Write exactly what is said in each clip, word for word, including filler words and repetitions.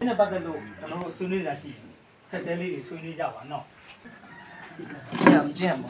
နဲ့ပတ်သက်လို့ကျွန်တော်တို့ဆွေးနွေးတာရှိခက်တဲလေးတွေဆွေးနွေးကြပါနော်ကျန်ကျန်ပါ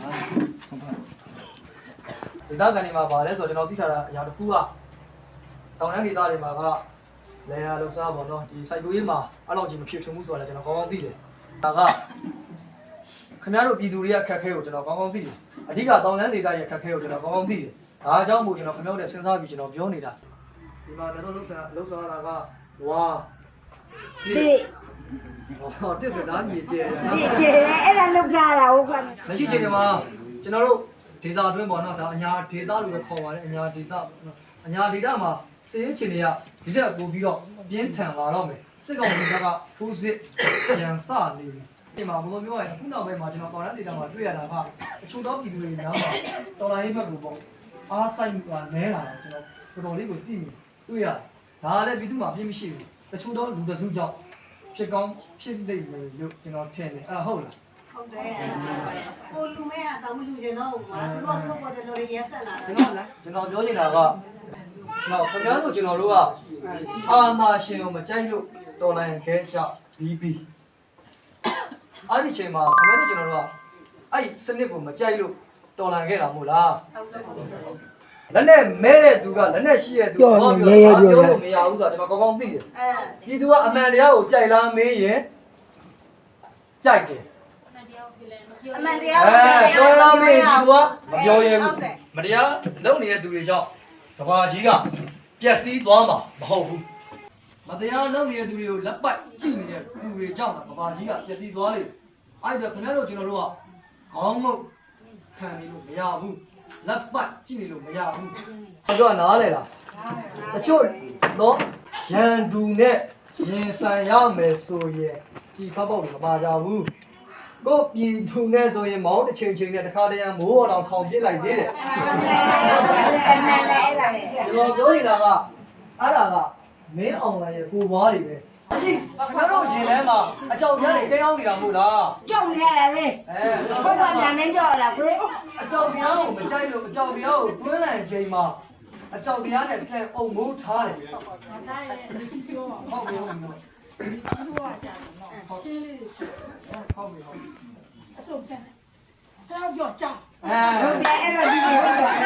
ဒေသခံတွေမှာပါလဲဆိုတော့ကျွန်တော်သိထားတာအရာတစ်ခုကတောင်တန်းဒေသတွေမှာကလေယာလုံစားပေါ့နော်ဒီစိုက်ပျိုးရေးမှာအဲ့လောက်ကြီးမဖြစ်ထွန်းမှုဆိုတာကျွန်တော်ကောင်းကောင်းသိတယ်ဒါကခင်ဗျားတို့ပြည်သူတွေကခက်ခဲကိုကျွန်တော်ကောင်းကောင်းသိတယ်အဓိကတောင်တန်းဒေသရဲ့ခက်ခဲကိုကျွန်တော်ကောင်းကောင်းသိတယ်ဒါအကြောင်းမို့ကျွန်တော်ခင်ဗျားတို့စဉ်းစားပြီးကျွန်တော်ပြောနေတာဒီမှာလည်းလုံစားလုံစားတာကဝါဒီဟောတစ်စသားမြေကျဲတယ်ဒီကျဲအဲ့ဒါလုံစားတာဟုတ်ကဲ့မရှိချင်တယ်မှာကျွန်တော်တို့ဒေသအတွင်းပေါ့နော်ဒါအညာဒေသလို့ပဲခေါ်ပါတယ်အညာဒေသအညာဒေသမှာစေရေးချင်တွေကဒီတက်ပို့ပြီးတော့ပြင်းထန်လာတော့မယ်စစ်ကောင်စီကထိုးစစ်ပြန်စနေပြီဒီမှာဘယ်လိုပြောရလဲအခုနောက်ပိုင်းမှာကျွန်တော်တော်ရန်ဒေသမှာတွေ့ရတာကအချို့သောပြည်သူတွေနားမှာတော်လိုင်းဘက်ကိုပေါ့အားဆိုင်ကနဲလာတယ်ကျွန်တော်တော်တော်လေးကိုသိမိတွေ့ရတယ်ဒါလည်းပြည်သူမှာပြင်းမရှိဘူးတချို့သောလူတစုကြောင့်ဖြစ်ကောင်းဖြစ်နေမယ်လို့ကျွန်တော်ထင်တယ်အဲ့ဟုတ်လားဟုတ်တယ်ကိုလူမဲကတော့မလူကျင်တော့ဘူးကွာသူတို့ကတော့ပေါ်တယ်လို့ရဲဆက်လာတာဟုတ်လားကျွန်တော်ပြောနေတာကနော်ခင်ဗျားတို့ကျွန်တော်တို့ကအာနာရှင်ကိုမကြိုက်လို့တော်လိုင်းခဲကြဘီဘီအဲ့ဒီချိန်မှာခင်ဗျားတို့ကျွန်တော်တို့ကအဲ့ဒီစနစ်ကိုမကြိုက်လို့တော်လိုင်းခဲ့တာမို့လားဟုတ်တယ်လက်နဲ့မဲတဲ့သူကလက်နဲ့ရှိတဲ့သူဟောပြောပြောလို့မရဘူးဆိုတာကျွန်တော်ကောင်းကောင်းသိတယ်အဲပြည်သူကအမှန်တရားကိုကြိုက်လားမေးရင်ကြိုက်တယ်အမှန်တရားကိုကြိုက်လားမေးသူကမပြောရဘူးမတရားလုပ်နေတဲ့သူတွေကြောင့်ကဘာကြီးကပျက်စီးသွားမှာမဟုတ်ဘူးမတရားလုပ်နေတဲ့သူတွေကိုလက်ပတ်ကြည့်နေတဲ့သူတွေကြောင့်ကဘာကြီးကပျက်စီးသွားလေအဲ့ဒါခင်ဗျားတို့ကျွန်တော်တို့ကခေါင်းငုတ်ခံနေလို့မရဘူးလက်ပတ်ကြည့်နေလို့မရဘူးကျွန်တော်နားလေလားတချို့တော့ရန်သူနဲ့ရင်ဆိုင်ရမယ်ဆိုရင်ကြည်ဖောက်ပေါက်တွေမပါကြဘူးကိုပြည်သူနဲ့ဆိုရင်မောင်းတစ်ချိန်ချိန်နဲ့တစ်ခါတည်းမိုးတော်တောင်ထောင်ပြစ်လိုက်သေးတယ်ကျွန်တော်ပြောနေတာကအဲ့ဒါကမင်းအောင်လိုင်းရဲ့ကိုပွားတွေပဲမရှိခင်ဗျားတို့ရင်ထဲမှာအကြောက်ပြားတွေတင်းအောင်နေတာမဟုတ်လားကြောက်နေရတယ်လေအဲဘုရားညာနေကြောက်ရတာကွေးအကြောက်ပြားကိုမကြိုက်လို့အကြောက်ပြားကိုတွင်းလိုက်ချိန်မှာအကြောက်ပြားနဲ့ပြန်အုံမိုးထားတယ်ဟုတ်တယ်ဒီပြောဟုတ်ပြီဟုတ်ပြီဒီပြောကြတယ်နော်ရှင်းလေးဟုတ်ပြီဟုတ်ပြီအဆုပ်ပြန်တော့ကြောက်ကြောက်အဲဟုတ်တယ်အဲ့တော့ဒီလိုဟုတ်တယ်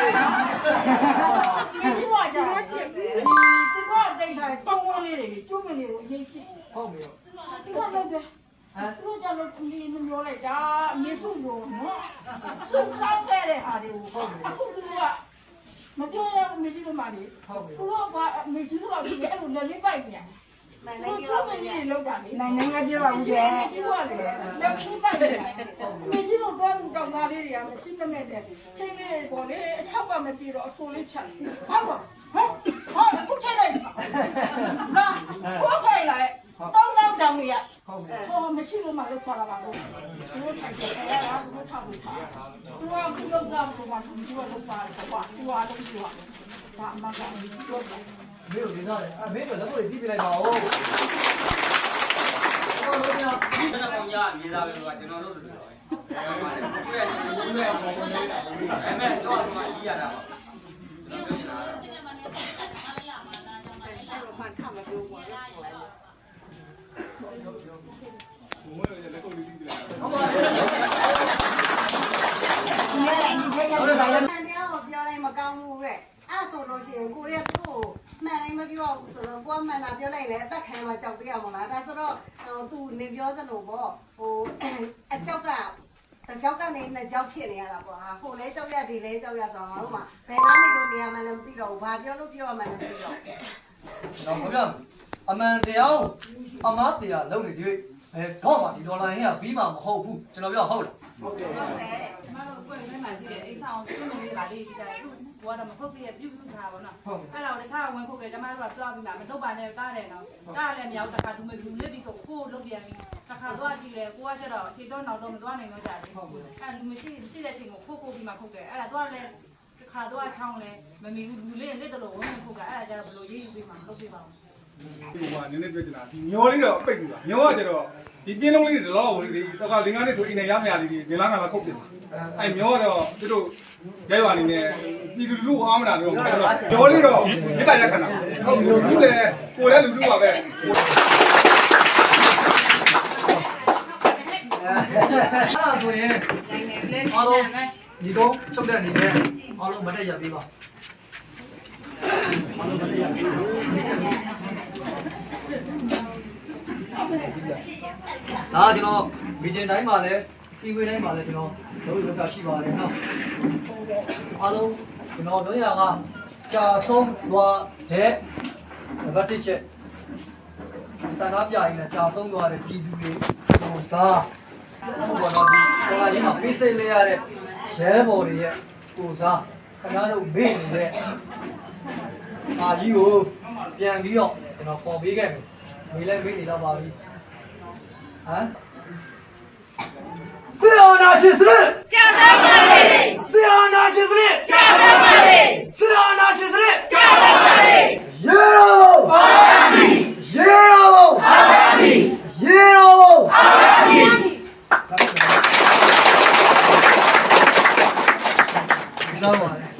ဒီပြောကြတယ်ဒီစစ်ကောတိတ်ထားတောင်းဝန်းလေးတွေကျွတ်မနေကိုအရင်ရှိဟုတ်ပြီဒီကတော့တယ်အဲသူကြောင့်လည်းဒီလိုမျိုးလိုက်တာအမေစုကိုနော်စုဆောက်ခဲ့တဲ့ဟာတွေကိုဟုတ်ပြီအခုသူကမပြောရဘူးမေကြီးတို့မှလေဟုတ်ပြီသူတို့ကမေကြီးတို့ကဒီအဲ့လိုလက်လေးပိုက်နေနိုင်နိုင်ပြောပါဦးလေလောက်တာလေနိုင်နိုင်ပြောပါဦးလေပြောလေလက်ချိပိုက်နေမေကြီးတို့တော့တောင်းသားလေးတွေကမရှိမမဲ့တဲ့ချိန်လေးပေါ်လေအချောက်ကမပြေတော့အဆိုးလေးဖြတ်ဟုတ်ပါဟဲ့ဟာခုချိန်လိုက်ဟာကိုခိုင်လိုက်တောင်းတောင်းတောင်းရဟုတ်ပြီဟောမရှိလို့မှလို့ခေါ်လာပါလို့သူတို့ထိုင်ကြတယ်ဟာသူတို့ထောက်လို့ထားသူကခုလောက်တော့ဘာမှသူကလောက်ပါတယ်ကွာသူကလုံးသူကဒါအမှန်ကန်ပြောတယ်မင်းတို့ဒီသားလေအမေတို့လက်ကိုတီးပြလိုက်ပါဦးဟောလို့ညကျွန်တော်ကမြေသားပဲလို့ကကျွန်တော်တို့တို့ပြောပါတယ်ကိုယ့်ရဲ့ကိုယ့်ရဲ့ပုံစံလေးအဲ့မဲ့တော့ဒီမှာကြီးရတာပါကျွန်တော်ပြောနေတာအဲ့တော့ဖန်ထမပြောပါဘူးဘုံရဲ့လက်ကိုတီးပြလိုက်ဟုတ်ပါဘူးဒီနေ့ဒီနေ့ကတော့ဘာလဲပြောတိုင်းမကောင်းဘူးတဲ့အဲ့ဆိုလို့ရှိရင်ကိုရီးယားသူ့မှန်တိုင်းမပြောဘူးဆိုတော့ကိုကမှန်တာပြောလိုက်လေအသက်ခံမှာကြောက်ပြရမှာလားဒါဆိုတော့သူနေပြောသလိုပေါ့ဟိုအကြောက်ကတကြောက်ကနေနှစ်ကြောက်ဖြစ်နေရတာပေါ့ဟာဟိုလဲကြောက်ရဒီလဲကြောက်ရဆိုတော့ငါတို့မှဘယ်နာနေလို့နေရမှန်းလည်းမသိတော့ဘူးဘာပြောလို့ပြောရမှန်းလည်းမသိတော့ဘူးတော့ခင်ဗျာအမှန်တရားအမားတရားလုပ်နေတွေ့အဲတော့မှဒီဒေါ်လာရင်းကပြီးမှမဟုတ်ဘူးကျွန်တော်ပြောဟုတ်လားဟုတ်တယ်ဟုတ်တယ်မတို့ကိုယ်နဲ့မှရှိတဲ့အိမ်ဆောင်သူ့မလေးပါလေးဒီကြတယ်သူ့ဘောတော့မဟုတ်ပြည့်ပြုစုထားပါတော့အဲ့ဒါကိုတခြားဝင်ခုတ်တယ်ကျမတို့ကသွားပြီးမှမလုပ်ပါနဲ့ကားတယ်နော်ကားလည်းမရောက်တခါသူမလူလေးပြီးကိုကိုလုပ်ပြန်ပြီးတခါသွားကြည့်တယ်ကိုကကျတော့ခြေတော့နောက်တော့မသွားနိုင်တော့ကြတယ်အဲ့လူမရှိရှိတဲ့ချိန်ကိုခုတ်ခုတ်ပြီးမှခုတ်တယ်အဲ့ဒါသွားလဲတခါသွားချောင်းလဲမမီဘူးလူလေးလက်တလို့ဝင်ခုတ်ကအဲ့ဒါကျတော့ဘယ်လိုရေးယူပြီးမှလုပ်ပြပါဦးဒီကနည်းနည်းပြောချင်တာဒီမျောလေးတော့ပိတ်ပြီပါမျောကကျတော့ဒီပြင်းလုံးလေးတွေတော့ဝင်ပြီးတော့ကလင်္ကားလေးဆိုအင်းနဲ့ရမရလေးတွေငလာငလာခုတ်ပြတယ်အဲမျောကတော့သူတို့ရဲရွာနေနဲ့ပြည်သူလူအားမနာတော့မျောလေးတော့မြစ်တာရက်ခဏဟုတ်လူလူလည်းကိုလည်းလူလူပါပဲအဲ့ဒါဆိုရင်အားလုံးဒီတော့ချုပ်တဲ့အနေနဲ့အားလုံးမတက်ရပေးပါအားလုံးမတက်ရပေးပါဒါကျွန်တော်ဗီဂျင်တိုင်းမှာလည်းစီဝေးတိုင်းမှာလည်းကျွန်တော်တို့လောကရှိပါတယ်နော်အားလုံးကျွန်တော်တို့ရကကြာဆုံးသွားတဲ့နံပါတ်တစ်ချက်စံနာပြရင်လည်းကြာဆုံးသွားတဲ့ပြည်သူတွေဟိုစားဟိုဘောတော့ဒီဟိုအရင်ကဖိစိတ်လေးရတဲ့ရဲဘော်တွေရဲ့ဟိုစားခင်ဗျားတို့မေ့နေတဲ့အာကြီးကိုပြန်ပြီးတော့ကျွန်တော်ပေါ်ပေးခဲ့မယ်မေးလဲမေးနေတော့ပါပြီဟမ်စေအောင်နာရှင်စရကြာစားပါလေစေအောင်နာရှင်စရကြာစားပါလေစေအောင်နာရှင်စရကြာစားပါလေရေတော်ဘုံအာမင်ရေတော်ဘုံအာမင်ရေတော်ဘုံအာမင်ဒီလောက်ပါလေ